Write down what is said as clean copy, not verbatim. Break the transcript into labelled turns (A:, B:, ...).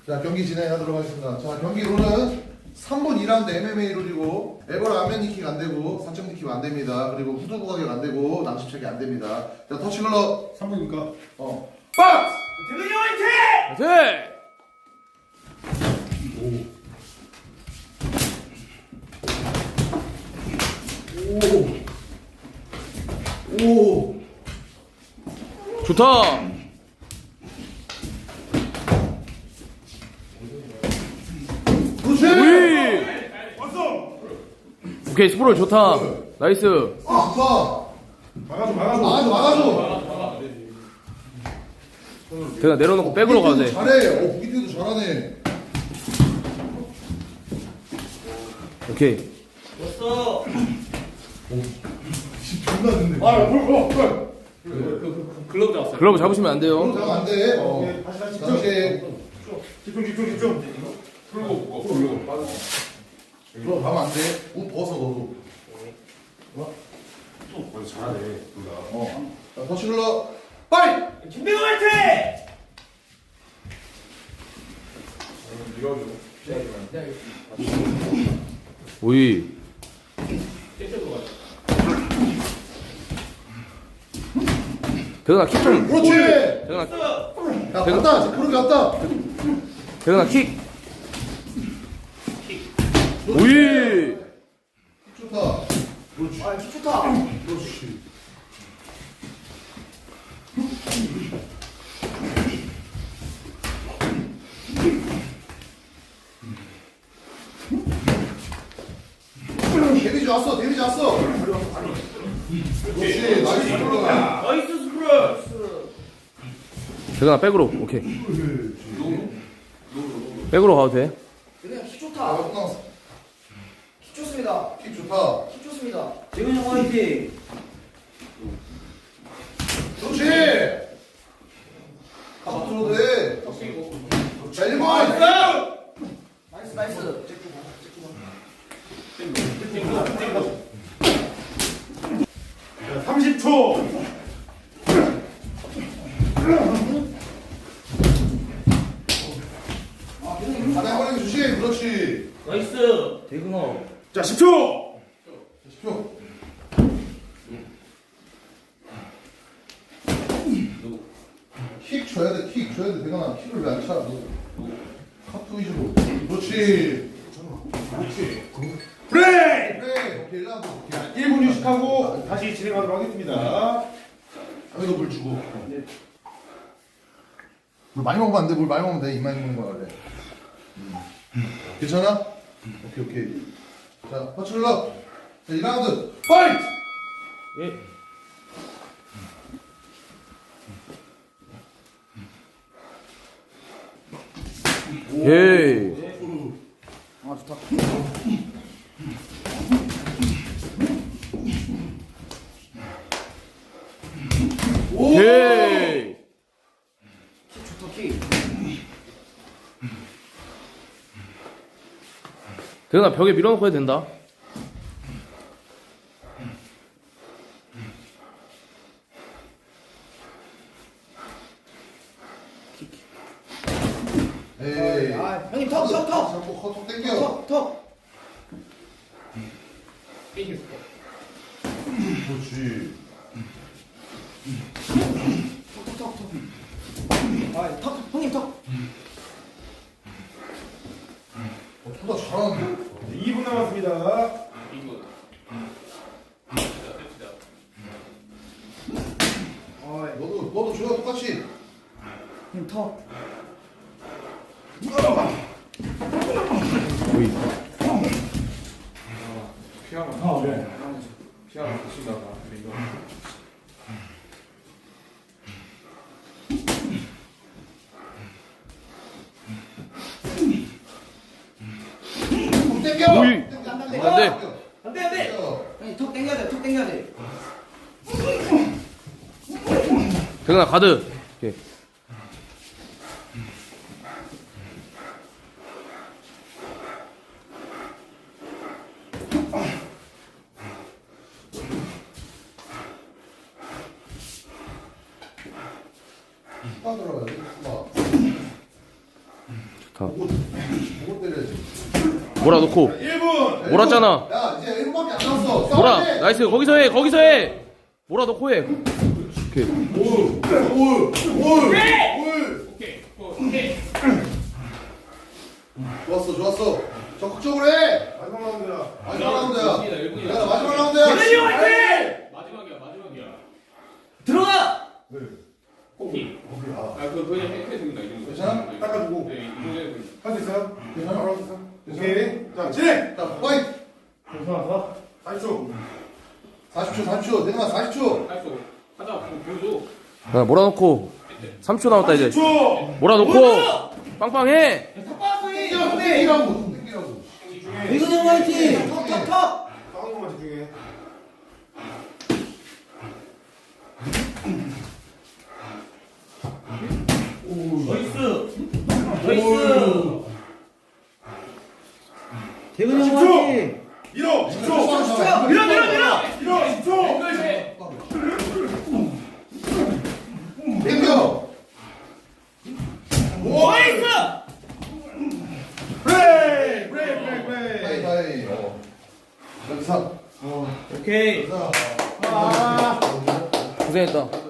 A: 자, 경기 진행하도록 하겠습니다. 자, 경기 룰은 3분 2라운드 MMA 룰이고 에버라 안면 니킥 안 되고 사점 니킥 안 됩니다. 그리고 후두 부각이 안 되고 낭심 체크 안 됩니다. 자, 터치글러
B: 3분이니까
A: 박스!
C: 대근이 화이팅!
D: 네.
A: 오!
D: 좋다.
A: 그렇지!
D: 우이.
C: 왔어!
D: 오케이 스프롤 좋다. 나이스.
A: 아, 좋다!
B: 막아줘
A: 막아줘!
D: 대나 내려놓고 백으로 가도 돼.
A: 잘해! 부기태도 잘하네.
D: 오케이.
C: 왔어!
A: 존나 듣네.
C: 글러브 잡았어.
D: 글러브 잡으시면 안 돼요.
A: 그럼 안 돼.
B: 다시
A: 다시.
B: 집중
A: 그럼 가면 안 돼. 옷 벗어, 너도.
B: 완전 잘하네 둘다
A: 자, 터치글러 파이트!
C: 김대근 화이팅!
D: 오이. 대나 킥 좀.
A: 그렇지!
D: 대나
A: 야, 갔다! 그렇게 갔다!
D: 대나 킥. 오이.
A: 좋다.
C: 아, 킥 좋다.
A: 그렇지. 데미지 왔어, 데미지 왔어. 그렇지, 나이스 플러가.
C: 나이스 스프롤!
D: 대나 백으로. 오케이. 백으로 가도 돼.
E: 그냥 킥
A: 아,
E: 좋다.
A: 몇 나왔어?
E: 킥 좋습니다.
A: 킥 좋다.
E: 킥 좋습니다.
C: 대근이 형 화이팅!
A: 그렇지. 가서 들어도 돼. 자, 1번.
E: 나이스 나이스.
B: 30초
A: 바닥에 걸리기 조심. 그렇지.
C: 나이스! 대근아.
B: 자 10초
A: 10초. 킥 줘야 돼, 킥 줘야 돼. 대관아, 킥을 왜 안 차? 카트 위주로. 그렇지.
B: 브레이크
A: 그래, 오케이, 1라운드. 오케이.
B: 1분 휴식하고 다시 진행하도록 하겠습니다
A: 여기도 물 주고. 물 많이 먹으면 안 돼. 물 많이 먹으면 돼. 이만 먹는 거야, 원래. 괜찮아? 오케이, 오케이. 자, 퍼출러. 자, 2라운드. 파이트!
D: 예. 오케이.
E: 아 좋다.
D: 오케이.
E: 킥 좋다 킥.
D: 대나 벽에 밀어놓고 해도 된다.
A: 에이.
E: 아 형님 턱.
A: 자꾸 턱 땡겨.
E: 턱.
A: 그렇지.
E: 아 턱. 형님 턱.
A: 토다 잘하는데?
B: 2분 남았습니다
A: 너도 줘야 똑같이.
E: 형님 턱.
D: 오이.
A: 턱 땡겨.
D: 오이.
E: 안 돼.
D: 안 돼.
C: 안돼 안돼!
E: 형님 턱 당겨야 돼. 턱 당겨야 돼.
D: 대나 가드. 오케이.
A: 빠 들어가야 돼. 빠. 보고 때려야지.
D: 몰아놓고
B: 1분.
D: 몰았잖아.
A: 야 이제 1분밖에 안 남았어.
D: 몰아.
A: 싸워야 돼.
D: 나이스. 거기서 해. 거기서 해. 몰아놓고 해. 오케이.
A: 올. 좋았어. 적극적으로 해.
B: 마지막 라운드야.
A: 마지막 라운드야.
C: 일분이다.
A: 야 마지막 라운드야.
C: 대근이 화이팅! 마지막이야.
E: 들어가.
C: 코피.
A: 아,
C: 그냥 해줍니다. 이 정도.
A: 괜찮아?
B: 닦아주고.
C: 네, 이 정도면.
B: 할 수 있어요?
A: 괜찮아?
B: 바로 할 수 있어? 오케이. 자, 진행!
A: 자 파이트.
B: 괜찮았어? 40초.
A: 40초. 대근아 40초.
C: 할수 하자. 보여줘.
D: 야, 몰아놓고 3초 남았다 이제.
B: 40초!
D: 몰아놓고 빵빵해.
A: 땡기라고.
E: 대근이 형 화이팅. 턱.
B: 싸우는 것만 집중해.
C: 나이스.
E: 대근이 형
B: 10초.
E: 화이팅.
B: 밀어! 10초!
C: 밀어.
B: 밀어! 10초!
A: 땡겨.
C: 나이스.
B: 브레이크!
A: 하이. 여기서.
C: 오케이.
A: 자.
B: 아.
D: 고생했다.